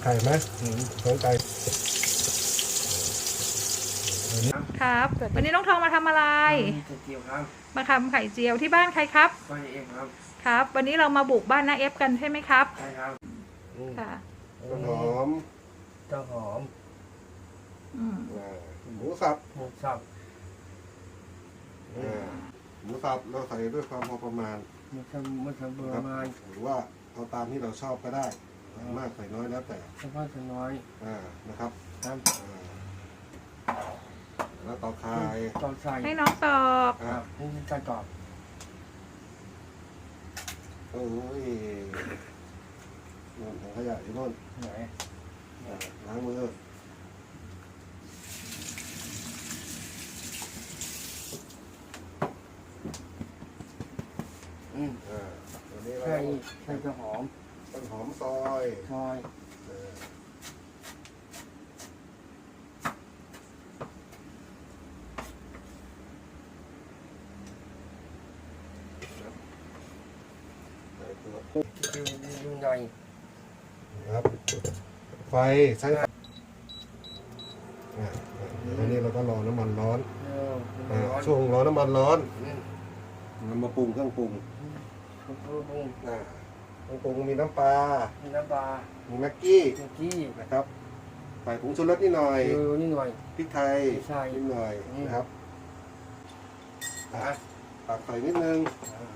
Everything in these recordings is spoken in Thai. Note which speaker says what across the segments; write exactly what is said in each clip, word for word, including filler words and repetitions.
Speaker 1: ข่ไหมสนใจ
Speaker 2: ครับวันนี้น้องทองมาทำอะไร
Speaker 3: ไข่เจียวครับ
Speaker 2: มาทำไข่เจียวที่บ้านใครครับ
Speaker 3: บ้านเองครับ
Speaker 2: ครับวันนี้เรามาบุกบ้านน้าเอฟกันใช่ไหมครับ
Speaker 3: ใช่ครับ
Speaker 2: ค่ะ
Speaker 1: ต้นหอม
Speaker 3: เจ้าหอม
Speaker 1: หมูสับ
Speaker 3: หมูสับ
Speaker 1: หมูสับเราใส่ด้วยความพอประมาณ
Speaker 3: มันทำมันทำประมาณ
Speaker 1: หรือว่าเอาตามที่เราชอบก็ได้มากใส่น้อยแล้วแต่
Speaker 3: เฉพาะส่วนน้อย
Speaker 1: อ่านะครับ
Speaker 3: ครับ
Speaker 1: แล้วต่อคาย
Speaker 3: ต่อใส่
Speaker 2: ให้น้องตอก
Speaker 3: อ่านี่ใส่ตอก
Speaker 1: โอ้ยนู่นถังขยะที่นู่น
Speaker 3: ไหน
Speaker 1: ล้างมือ
Speaker 3: อืม
Speaker 1: อ่าวันนี้เรา
Speaker 3: ใส่ใส่จะหอม
Speaker 1: ต้นหอมซอย
Speaker 3: ซอยดูดูหน่อย
Speaker 1: ครับไฟใช้เดี๋ยววันนี้เราก็รอน้ำมันร้อนช่วงรอน้ำมันร้อนมันมาปรุงเครื่องปรุง
Speaker 3: เครื่องปรุง
Speaker 1: เครื่องปรุงมีน้ำปลา
Speaker 3: มีน้ำปลา
Speaker 1: มีแม็กกี้
Speaker 3: แม็กกี้
Speaker 1: นะครับใส่ผงชูรสนิดหน่อย
Speaker 3: นิดหน่อย
Speaker 1: พริกไทยนิดหน่อยนะครับตักใส่นิดนึง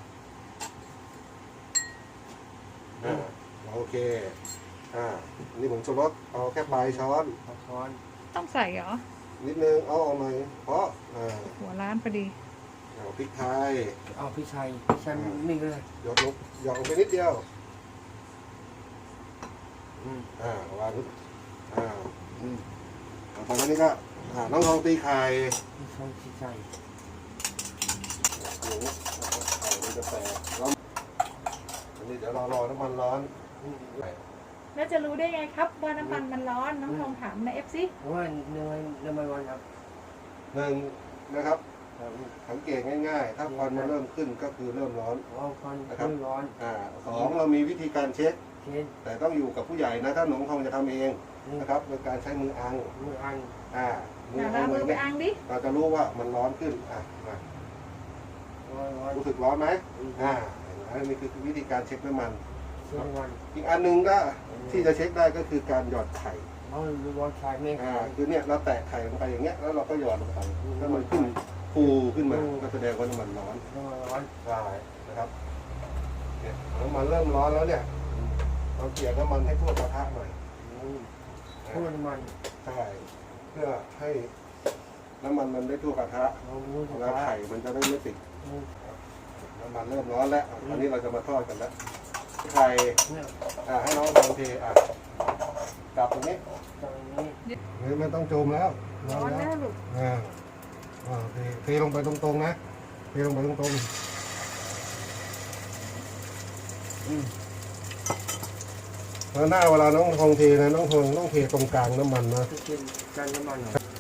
Speaker 1: โอเคอ่านี่ผงชูรสเอาแค่ปลายช้อน
Speaker 3: ช้อน
Speaker 2: ต้องใส่เหรอ
Speaker 1: นิดนึงเอาเอาหน่อยเพราะ
Speaker 2: หัวร้านพอดี
Speaker 1: เอาพริกไทย
Speaker 3: เอาพริกไทยพริกไทยนี่เลย
Speaker 1: หยดลงหยดลงไปนิดเดียวอ่าวางอ่าอืมตอนนี้ก็อ่าน้องทองตีไข่
Speaker 3: ตีไข่ตีไข่
Speaker 1: โอ้โหไข่มันจะแตกแล้วอันนี้เดี๋ยวเรารอน้ำมันร้อน
Speaker 2: แล้วจะรู้ได้ไงครับว่าน้ำมันมันร้อนน้องทองถามนะเอฟซี
Speaker 3: ว่าเนยน้ำมันร้อนครับ
Speaker 1: หนึ่งนะครับสังเกตง่ายๆถ้าควันมันเริ่มขึ้นก็คือเริ่มร้อน
Speaker 3: นะครับร้อน
Speaker 1: อ่าสองเรามีวิธีการเช็คแต่ต้องอยู่กับผู้ใหญ่นะถ้าหนูทองจะทำเองนะครับโดยการใช้มืออัง
Speaker 3: มืออัง
Speaker 1: อ่า
Speaker 2: มืออังไปอังดิ
Speaker 1: เราจะรู้ว่ามันร้อนขึ้นอ่ะรู้สึกร้อนไหมอ่าอันนี้คือวิธีการเช็คน้ำมันอีกอันหนึ่งก็ที่จะเช็คได้ก็คือการหยอดไข่
Speaker 3: อ๋อหยอดไข่ไม่
Speaker 1: อ่าคือเนี่ยเราแตะไข่ลงไปอย่างเงี้ยแล้วเราก็หยอดลงไปถ้ามันขึ้นฟูขึ้นมาก็แสดงว่าน้ำมันร้อน
Speaker 3: ร้อน
Speaker 1: ใช่นะครับเนี่ยน้ำมันเริ่มร้อนแล้วเนี่ยเราเกลี่ยน้ำมันให้ทั่วกระทะหน่อย
Speaker 3: ทั่วน้ำมัน
Speaker 1: ใช่เพื่อให้น้ำมันมันได้ทั่วกระทะแล้วไข่มันจะได้ไม่ติดน้ำมันเริ่มร้อนแล้วตอนนี้เราจะมาทอดกันแล้วไข่อ่าให้น้องลองเทอ่ะกลับตรงนี้ตรงนี้ไม่ต้องโจมแล้ว
Speaker 2: ร้อนแล้วลูก
Speaker 1: อ่าอ่าเทเทลงไปตรงๆนะเทลงไปตรงๆแล้วหน้าเวลาน้องทองเทนะน้องทองต้องเทตรงกลางน้ำมันนะ
Speaker 3: กลางน้ำมัน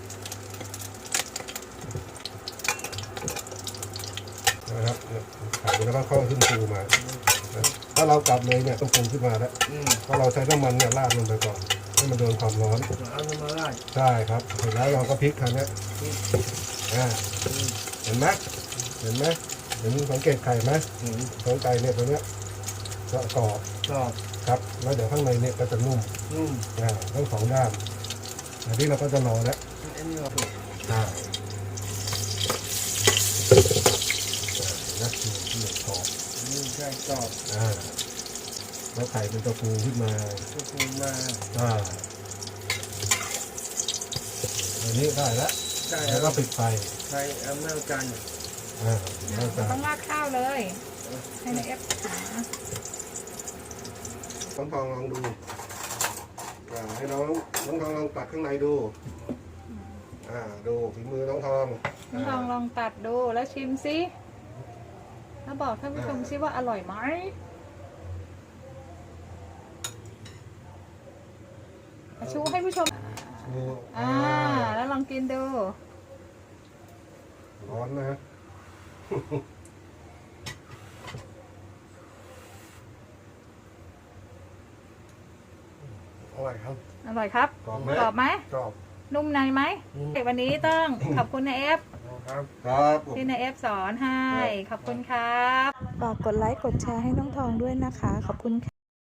Speaker 1: นะครับไข่แล้วก็เข้าขึ้นฟูมาถ้าเรากลับเลยเนี่ยต้องฟูขึ้นมาแล้วเพราะเราใช้น้ำมันเนี่ยราดลงไปก่อนให้มันโดนความร้อน
Speaker 3: เอาน้ำมันราด
Speaker 1: ใช่ครับเสร็จแล้วเราก็พลิกครั้งนี้อ่าเห็นไหมเห็นไหมเห็นสังเกตไข่ไหมสังไก่เนี่ยตัวเนี้ยจะกรอบ
Speaker 3: กรอบ
Speaker 1: ครับแล้วเดี๋ยวข้างในเนี่ยก็จะนุ่ม
Speaker 3: นุ่ม
Speaker 1: อ่าทั้งสองด้านอันนี้เราก็จะรอแล้วใช่นะนี่กรอบ
Speaker 3: นี่ใช่กรอบ
Speaker 1: อ่าแล้วไข่เป็นตัวฟูขึ้นมา
Speaker 3: ตัวฟูมา
Speaker 1: อ่าอันนี้ได้แล้วแล้วก็ปิดไฟ
Speaker 3: ใช้อเมริกัน
Speaker 1: อ่า
Speaker 2: ต้องราดข้าวเลยให้ในเอฟหา
Speaker 1: ต้องทองลองดูอ่าให้น้องน้องทองลองตัดข้างในดูอ่าดูฝีมือน้องทอง
Speaker 2: น้องทองลองตัดดูแล้วชิมซิแล้วบอกท่านผู้ชมซิว่าอร่อยไหมชูให้ผู้ชมอ่าแล้วลองกินดู
Speaker 1: ร้อนนะอ
Speaker 3: ร่อยครับ
Speaker 2: อร่อยครับ
Speaker 1: กรอบไหม
Speaker 2: กรอบไหม
Speaker 3: กรอบ
Speaker 2: นุ่มในไหม
Speaker 3: อืม
Speaker 2: วันนี้ต้องขอบคุณนายเอฟ
Speaker 3: ครับ
Speaker 1: ครับผม
Speaker 2: ที่นายเอฟสอนให้ ขอบคุณครับฝากกดไลค์กดแชร์ให้น้องทองด้วยนะคะ ขอบคุณค่ะ